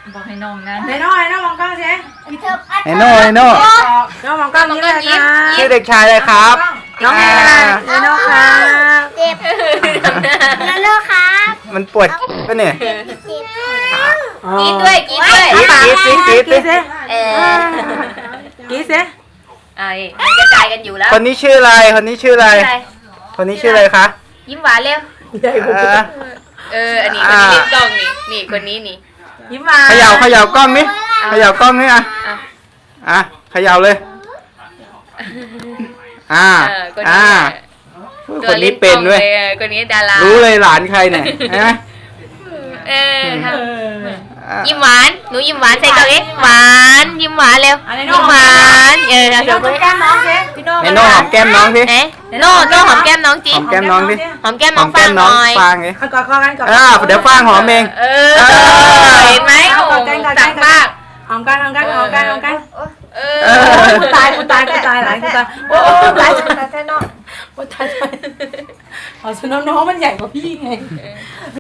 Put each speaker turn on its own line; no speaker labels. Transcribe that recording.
บอกให้น้องนั้น
ไอ้โน่มองกล้องสิ
ไอโน่
โน่มองกล้องยิ้มเลยค่ะ
ชื่อเด็กชายอะไรครับ
น้องอะไรไอ้โน่ค่ะ
เจ็บแล้วเลิกครับ
มันปวดปะเนี่ย
เจ็บ
กรีดด้วย
กรีดสิ
เออก
รีดสิ
ไอ้มันกระจายกันอยู่แล้ว
คนนี้ชื่ออะไรคนนี้ชื่ออะไร
อะไร
คนนี้ชื่ออะไรคะ
ยิ้มหวานเร็ว อันนี้คนนี้เล่นกล้องนี่คนนี้นี่
ยิ้มมา
เขย่ากล้องนี่เขย่ากล้องนี่อ่ะ
อ่ะ
อ่ะเขย่าเลยอ่า
คน
อ่า
นี้
คนนี้เป็นด้วย
คนนี้ดารา
รู้เลยหลานใครเนี่ยใช่ไหม
ทำยิ้มหวานหนูยิ้มหวานใส่กล้องเอ๊ะหวานยิ้มหวานเร็วยิ้มหวานทำ
โน่
เสร็จ
แก้มน้องสิพี่โน่
ไอโน่หอมแก้มน้องสิ
เอ๊ะโน่หอมแก้มน้องจี
หอมแก้มน้องสิ
หอมแก้ม
ห
น้
อ
อง
มแก้
ฟาง
ม
ห
น้อง
น่อย
ฟางไง
กอดคอกันกอด
เดี๋ยวฟางหอมเอง
เห็นไหมโอ้ตักมาก
หอมกันกูตายหลานกูตายโอ้ตายโอ้ตายอ๋อน้องมันใหญ่กว่าพี่ไง